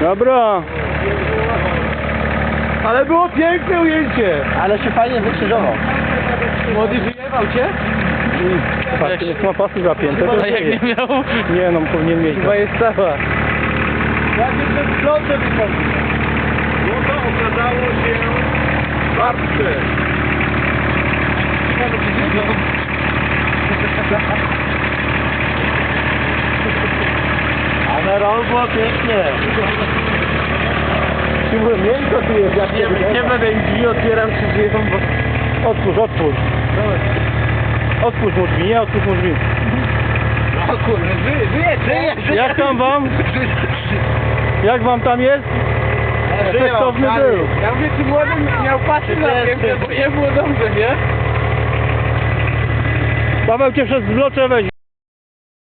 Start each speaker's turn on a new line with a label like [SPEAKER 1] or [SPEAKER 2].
[SPEAKER 1] Dobra.
[SPEAKER 2] Ale było piękne ujęcie.
[SPEAKER 3] Ale się fajnie wykrzyżował.
[SPEAKER 2] Młody wyjebał cię?
[SPEAKER 1] Patrz, ma pasy zapięte.
[SPEAKER 4] A jak nie miał?
[SPEAKER 1] Nie no, powinien mieć.
[SPEAKER 2] Chyba jest cała. Jak jeszcze w flotę wychodzi. No to okazało się martwe.
[SPEAKER 3] A na rol było pięknie.
[SPEAKER 2] Miękko tu jest, jak nie będę im drzwi otwieram czy drzwiom, bo...
[SPEAKER 1] Otwórz, otwórz. Otwórz mu drzwi, nie otwórz mu drzwi.
[SPEAKER 2] O kurde, żyje.
[SPEAKER 1] Jak tam wam? Jak wam tam jest? Efektowny był.
[SPEAKER 2] Ja mówię, czy młody miał pasy na piękne, bo nie było dobrze, nie?
[SPEAKER 1] Paweł cię przez zblocze weźmie.